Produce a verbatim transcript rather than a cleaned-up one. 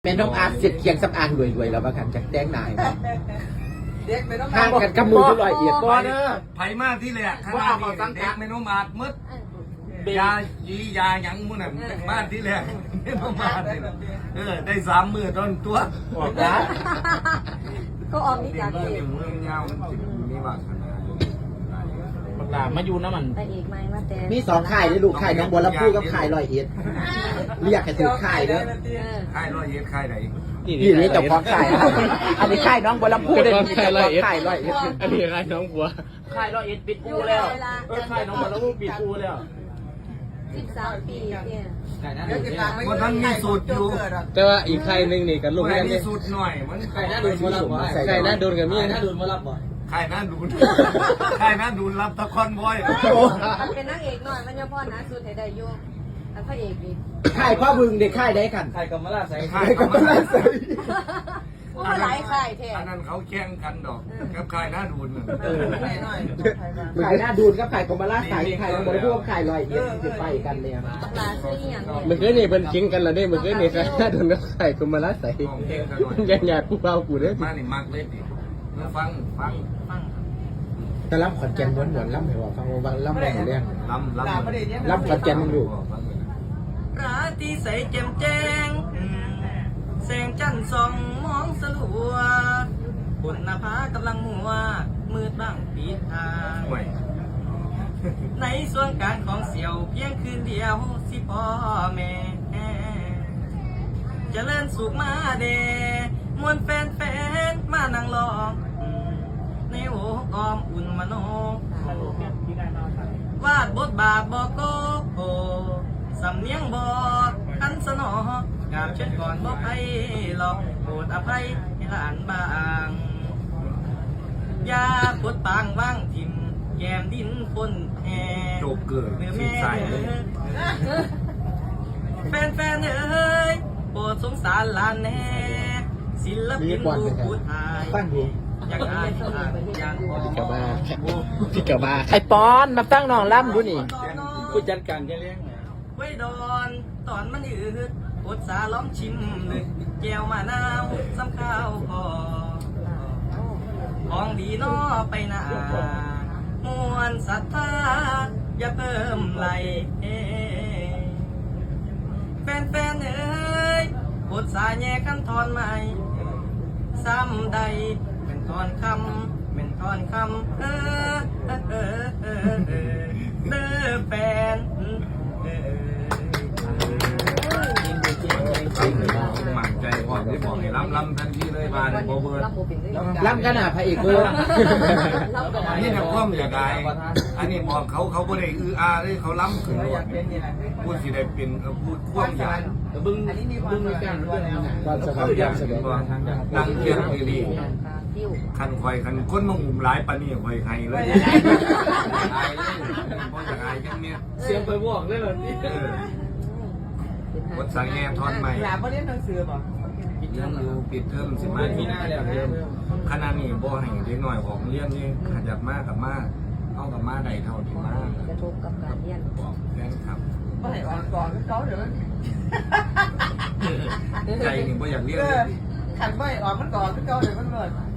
แม่น้องอาร์ตเสร็จเคียงสำอางรวยๆแล้วว่ากันจากแต่งหน้าเด็กไม่ต้องห่างกันกับมือที่ลอยเอียดบ่เด้อไผมากที่แหละข้างล่างนี่เด็กไม่น้องมาดมืดยายียาหยังมุ่นน่ะบ้านที่แหละไม่น้องมาดเลยเออได้สามมือต้นตัวออกนะก็ออกนี่เด็จาก กเมืองเอกเมืองยาวมันจิมีว่าขนาดบักหลามาอยู่น้ำมันไปเอกไหมมาแต่มีสองข่ายเลยลูกข่ายน้องบัวลำพูกับข่ายลอยเอียดเรียกให้ถือข่ายเด้อค่ายร้อยเย็ดค่ายไหนนี่นี่เจ้าของข่ายอันนี้ข่ายน้องบัวลำพูเด้อนี่เจ้าของข่ายลอยเอียดอันนี้ค่ายน้องบัวค่ายร้อยเอ็ดปิดปูแล้วเออค่ายน้องบัวแล้วปิดปูแล้วสิบสามปีเนี่ยวันนั้นมีสูตรอยู่แต่ว่าอีกค่ายหนึงนี่กันลูกแม่เรียนมีนี่สูตรหน่อยมันค่ายหน้าโดดูนนมารับบ่ค่ายหน้าโดนกับมีนะค่ายหน้าดูนค่ายหน้าดูนรับตะคอนบอยมันเป็นนักเอกหน่อยมันยังพ่อนะสุดให้ได้ยุ่งแล้วพระเอกอีกข่ายพ่อบึงเด็กข่ายได้กันค่ายกำมะลาใส่ค่ายกับมันละใส่โอ้หลายค่ายแท้อันนั้นเขาแข่งกันดอกกับค่ายหน้าดูนข่ายหน้าดูนกับข่ายกบมาล่าข่ายข่ายน้องบัวลำพูกับข่ายลอยเอียดคือไปกันเนี่ยบักลาซื้ออย่างเนี่ยเมื่อคืนนี่เป็นคิงกันแล้วเด้เมื่อคืนนี่ค่ายหน้าโดนกับค่ายกำมะลาใส่ของเพลงกันหน่อยยังอยากกูเอากูเด้อมานี่มักเล่นดิมาฟังฟังฟังแต่ล่ำขอนแก่นม้วนๆล่ำให้ว่าฟังว่าล่ำบ่เรื่องลำลำล่ำขอนแก่นมึงดูราตรีใสแจ่มแจ้งแสงจันทร์ส่องมองสลัวบนหน้าผากำลังมัว มืดบ้างปีทางห่วยในส่วนกลางของเสี่ยวเพียงคืนเดียวสิพ่อแม่เจริญสุขมาเดมวนแฟนแฟนมานั่งรอในโอ้ออมอุ่นมโนวาดบทบาทบอกโกโอสำเนียงบอกคันสนอกราบเชิญก่อนบอกให้หลอกโปรดอภัยให้หลานบางยาปวดปางว่างทิมแยมดินปนแห่โจกเกิดเมื่อสิแม่ใส่เลยแฟนแฟนเอ้ยโปรดสงสารหลานแน่ศิลปินผู้พูดไทยตั้งดูอยากอ่านอ่านอย่างพอพี่กะบ้าพี่กะบ้าไอ้ปอนมาตั้งน้องล่ำดูนี่ผู้จัดการจะเลี้ยงไว้ดอนตอนมันอืดอดสาล้อมชิมเลยแก้วมะนาวซ้ำข้าวพอของดีนอไปหน้ามวนศรัทธาอย่าเพิ่มไหลแฟนๆเอ้ยอดสาแย่กันทอนใหม่ซ้ำใดเป็นทอนคำเป็นทอนคำเออเออเออเออเออเด้อแฟนเออมั่นใจพอที่บอกให้ลำลำทันทีเลยบานโบเบิร์ดรับโมเป็นเลยล่ำกันอ่ะพระเอกเบอร์อันนี้นักความอยากได้อันนี้บอกเขาเขาบ่ได้อืออาเลยเขาล้ำขึ้นรถพูดสิได้เป็นพูดความอยากบึ้งบึ้งมีการเรื่องนี้นะความสบายความสบายดังเทียนดีติ้วคันคอยคันคนมาหุ่มหลายปานนี้คอยให้เลยอายเลยบ่อยากอายจังเนี่ยเสียงไปบอกเลยเหรอนี่เออวดสังแงทอนใหม่หลานไม่เรียนหนังสือป่ะปิดเทอมอยู่ปิดเทอมสิมาที่หน้าแล้วเทอมขนาดนี้บ่ให้เด็กน้อยของเรียนนี่ขยับมากกับมากเอากับมาได้เท่าที่มากกระทบกับการเรียนบอกแฟนครับไม่ให้อ่อนก่อนเขาเดี๋ยวมันใจนี่บ่อยากเรียนเอเลอย ขันไม่อ่อนมันก่อนเขาเดี๋ยวมันเบิด